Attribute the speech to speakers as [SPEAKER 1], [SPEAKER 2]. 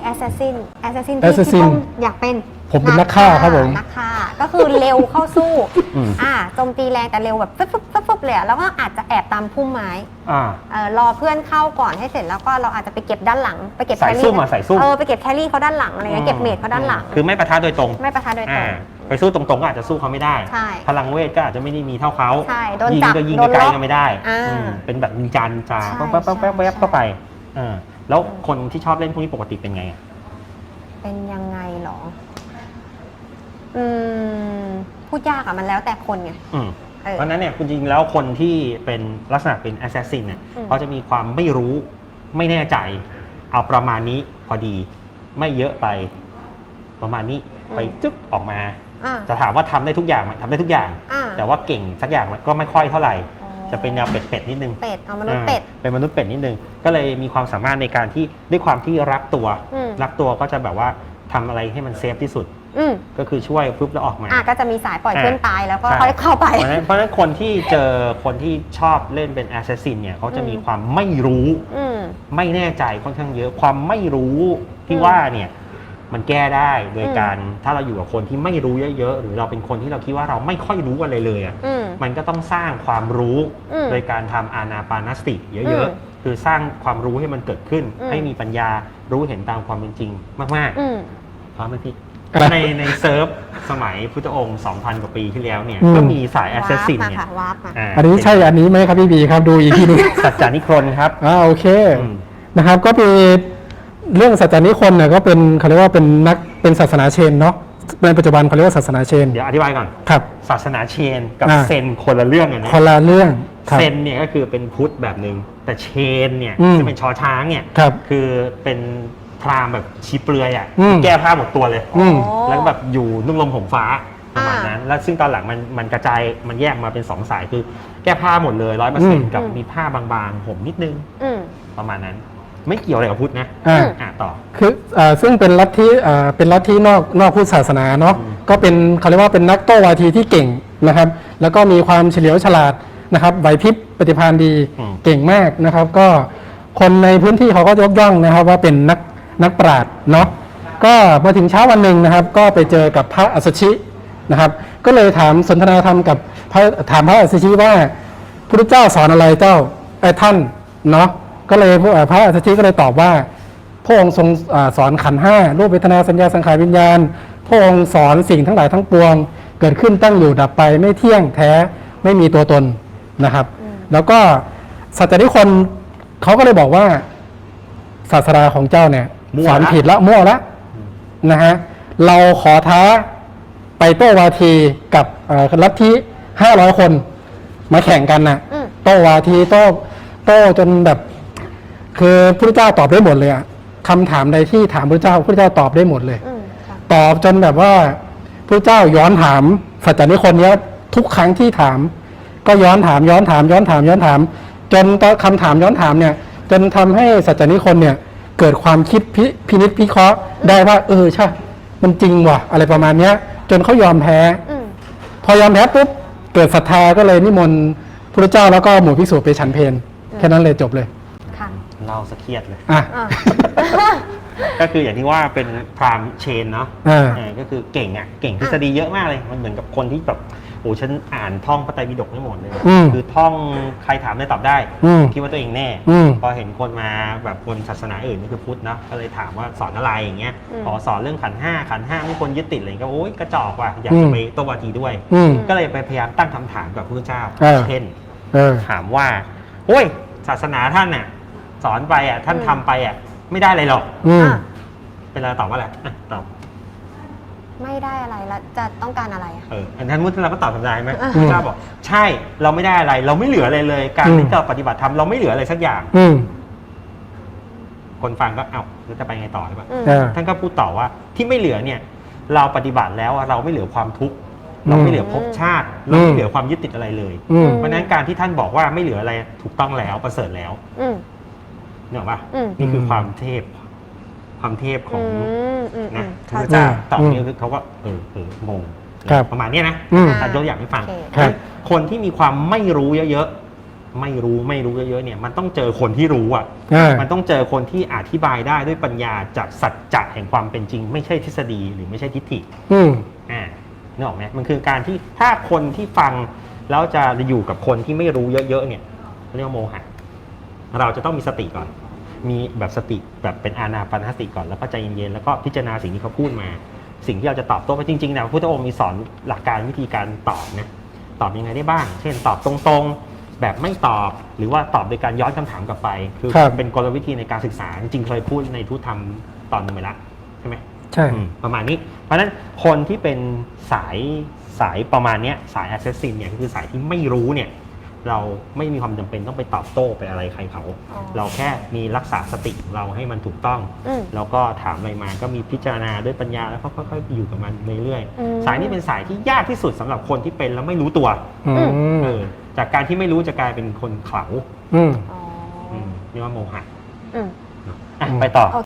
[SPEAKER 1] assassin ที่
[SPEAKER 2] assassin
[SPEAKER 1] ผมอยากเป็น
[SPEAKER 2] ผมเป็นนักฆ่าครับผม
[SPEAKER 1] นักฆ่าก็คือเร็วเข้าสู้โจมตีแรงแต่เร็วแบบฟึบเลยแล้วก็อาจจะแอบตามพุ่มไม้รอเพื่อนเข้าก่อนให้เสร็จแล้วก็เราอาจจะไปเก็บด้านหลังไปเก็บแครี่ไปเก็บแครี่เขาด้านหลังอะไรเงี้ยเก็บเมจเขาด้านหลัง
[SPEAKER 3] คือไม่ปะทะโดยตรงไปสู้ตรงๆก็อาจจะสู้เขาไม่ได้พลังเวทก็อาจจะไม่ได้มีเท่าเขายิงก็ยิงไกลก็ไม่ได้เป็นแบบนินจาแป๊บเข้าไปแล้วคนที่ชอบเล่นพวกนี้ปกติเป็นไง
[SPEAKER 1] เป็นยังไงหรอพูดยากอะมันแล้วแต่คนไง
[SPEAKER 3] เพราะนั้นเนี่ยคุณจริงแล้วคนที่เป็นลักษณะเป็นแอสซัสซินเนี่ยเขาจะมีความไม่รู้ไม่แน่ใจเอาประมาณนี้พอดีไม่เยอะไปประมาณนี้ไปจึ๊กออกมาจะถามว่าทำได้ทุกอย่างไหมทำได้ทุกอย่างแต่ว่าเก่งสักอย่างก็ไม่ค่อยเท่าไหร่จะเป็นแนวเป็ดนิดนึง
[SPEAKER 1] มนุษย์เป็ด
[SPEAKER 3] เป็นมนุษย์เป็ดนิดนึงก็เลยมีความสามารถในการที่ด้วยความที่รักตัวก็จะแบบว่าทำอะไรให้มันเซฟที่สุดก็คือช่วยปุ๊บแล้วออกมา
[SPEAKER 1] ก็จะมีสายปล่อยเพื่อนตายแล้วก็ค่อยเข้าไป
[SPEAKER 3] เพราะฉะนั้นคนที่เจอคนที่ชอบเล่นเป็นแอสซัสซินเนี่ยเขาจะมีความไม่รู้ไม่แน่ใจค่อนข้างเยอะความไม่รู้ที่ว่าเนี่ยมันแก้ได้โดยการถ้าเราอยู่กับคนที่ไม่รู้เยอะๆหรือเราเป็นคนที่เราคิดว่าเราไม่ค่อยรู้อะไรเลยมันก็ต้องสร้างความรู้โดยการทำอานาปานสติเยอะๆคือสร้างความรู้ให้มันเกิดขึ้นให้มีปัญญารู้เห็นตามความเป็นจริงมากๆพร้อมไหมพี่ในเซิร์ฟสมัยพุทธองค์ 2,000 กว่าปีที่แล้วเนี่ยก็มีสายแอสซัสซินเนี่ย
[SPEAKER 2] อันนี้ใช่อันนี้ไหมครับพี่บีครับดูอีกทีนึง
[SPEAKER 3] สัจจานิครนครับ
[SPEAKER 2] โอเคนะครับก็เป็นเรื่องสัจจานิครนเนี่ยก็เป็นเขาเรียกว่าเป็นศาสนาเชนเนาะในปัจจุบันเขาเรียกว่าศาสนาเชน
[SPEAKER 3] เดี๋ยวอธิบายก่อน
[SPEAKER 2] ครับ
[SPEAKER 3] ศาสนาเชนกับเซนคนละเรื่องกันนะ
[SPEAKER 2] คนละเรื่อง
[SPEAKER 3] เซนเนี่ยก็คือเป็นพุทธแบบนึงแต่เชนเนี่ยจะเป็นชอช้างเนี่ยคือเป็นพราหมณ์แบบชีเปลือยแก้ผ้าหมดตัวเลยแล้วก็แบบอยู่นุ่งลมห่มฟ้าประมาณนั้นแล้วซึ่งตอนหลังมันกระจายมันแยกมาเป็น2สายคือแก้ผ้าหมดเลย 100% กับมีผ้าบางๆห่มนิดนึงประมาณนั้นไม่เกี่ยวอะไรกับพุทธนะต่อ
[SPEAKER 2] คือซึ่งเป็นลัทธินอกพุทธศาสนาเนาะก็เป็นเขาเรียกว่าเป็นนักโต้วาทีที่เก่งนะครับแล้วก็มีความเฉลียวฉลาดนะครับไหวพริบปฏิภาณดีเก่งมากนะครับก็คนในพื้นที่เขาก็ยกย่องนะครับว่าเป็นนักปราชญ์เนาะก็มาถึงเช้าวันหนึ่งนะครับก็ไปเจอกับพระอัสสชินะครับก็เลยถามสนทนาธรรมกับถามพระอัสสชิว่าพระพุทธเจ้าสอนอะไรเจ้าท่านเนาะก็เลยพระอัสสชิก็เลยตอบว่าพระองค์ทรงสอนขันธ์5รูปเวทนาสัญญาสังขารวิญญาณพระองค์สอนสิ่งทั้งหลายทั้งปวงเกิดขึ้นตั้งอยู่ดับไปไม่เที่ยงแท้ไม่มีตัวตนนะครับแล้วก็สัจจนิครนเขาก็เลยบอกว่าศาสนาของเจ้าเนี่ยสอนผิดละมั่วละนะฮะเราขอท้าไปโต้วาทีกับลัทธิ500 คนมาแข่งกันนะโต้วาทีโต้จนแบบคือพระพุทธเจ้าตอบได้หมดเลยอะคำถามใดที่ถามพระพุทธเจ้าตอบได้หมดเลยตอบจนแบบว่าพระพุทธเจ้าย้อนถามสัจจนิครนเนี้ยทุกครั้งที่ถามก็ย้อนถามจนคำถามย้อนถามเนี่ยจนทำให้สัจจนิครนเนี่ยเกิดความคิดพินิจพิเคราะห์ได้ว่าใช่มันจริงว่ะอะไรประมาณเนี้ยจนเขายอมแพ้พอยอมแพ้ปุ๊บเกิดศรัทธาก็เลยนิมนต์พระเจ้าแล้วก็หมู่ภิกษุไปฉันเพลแค่นั้นเลยจบเลย
[SPEAKER 3] เล่าสะเครียดเลยก็คืออย่างที่ว่าเป็นพราหมณ์เชนเนาะก็คือเก่งทฤษฎีเยอะมากเลยมันเหมือนกับคนที่แบบโอ้ฉันอ่านท่องพระไตรปิฎกไม่หมดเลยคือท่องใครถามได้ตอบได้คิดว่าตัวเองแน่พอเห็นคนมาแบบคนศาสนาอื่นนี่คือพุทธนะก็เลยถามว่าสอนอะไรอย่างเงี้ยขอสอนเรื่องขันธ์5ไม่ควรยึดติดอะไรก็โอ๊ยกระจอกว่ะอยากจะไปโต้วาทีด้วยก็เลยไปพยายามตั้งคำถามกับพระพุทธเจ้าเช่นถามว่าโอ้ยศาสนาท่านน่ะสอนไปท่านทำไปไม่ได้อะไรหรอกเป็นอะไรตอบว่าอะไรตอบ
[SPEAKER 1] ไม่ได้อะไรแล้วจะต้องการอะไร
[SPEAKER 3] อันนั้นมุดเราก็ตอบธรรมดาไหมพระเจ้าบอกใช่เราไม่ได้อะไรเราไม่เหลืออะไรเลยการที่เราปฏิบัติธรรมเราไม่เหลืออะไรสักอย่างคนฟังก็แล้วจะไปไงต่อหรือเปล่าท่านก็พูดต่อว่าที่ไม่เหลือเนี่ยเราปฏิบัติแล้วเราไม่เหลือความทุกข์เราไม่เหลือภพชาติเราไม่เหลือความยึดติดอะไรเลยเพราะฉะนั้นการที่ท่านบอกว่าไม่เหลืออะไรถูกต้องแล้วประเสริฐแล้วเนี่ยหรอปะนี่คือความเทพของนะพระเจ้าตอบนี้คือเขาก็งงประมาณนี้นะยกอย่างให้ฟังคนที่มีความไม่รู้เยอะไม่รู้เยอะๆเนี่ยมันต้องเจอคนที่รู้อ่ะมันต้องเจอคนที่อธิบายได้ด้วยปัญญาจากสัจจะแห่งความเป็นจริงไม่ใช่ทฤษฎีหรือไม่ใช่ทิฏฐินึกออกไหมมันคือการที่ถ้าคนที่ฟังแล้วจะอยู่กับคนที่ไม่รู้เยอะๆเนี่ยเรียกว่าโมหะเราจะต้องมีสติก่อนมีแบบสติแบบเป็นอานาปานสติก่อนแล้วก็ใจเย็นๆแล้วก็พิจารณาสิ่งที่เขาพูดมาสิ่งที่เราจะตอบโต้ไปจริงๆนะพระพุทธองค์มีสอนหลักการวิธีการตอบนะตอบยังไงได้บ้างเช่นตอบตรงๆแบบไม่ตอบหรือว่าตอบโดยการย้อนคำถามกลับไปคือเป็นกลวิธีในการศึกษาจริงๆเคยพูดในทุตธรรมตอนนึงไปละใช่ไหม
[SPEAKER 2] ใช่
[SPEAKER 3] ประมาณนี้เพราะฉะนั้นคนที่เป็นสายประมาณนี้สาย assassin เนี่ยคือสายที่ไม่รู้เนี่ยเราไม่มีความจำเป็นต้องไปตอบโต้ไปอะไรใครเขาเราแค่มีรักษาสติเราให้มันถูกต้องแล้วก็ถามอะไรมาก็มีพิจารณาด้วยปัญญาแล้วก็ค่อยๆอยู่กับมันเรื่อยๆสายนี้เป็นสายที่ยากที่สุดสำหรับคนที่เป็นแล้วไม่รู้ตัวจากการที่ไม่รู้จะกลายเป็นคนเขลาเรียกว่าโมหะไปต่อ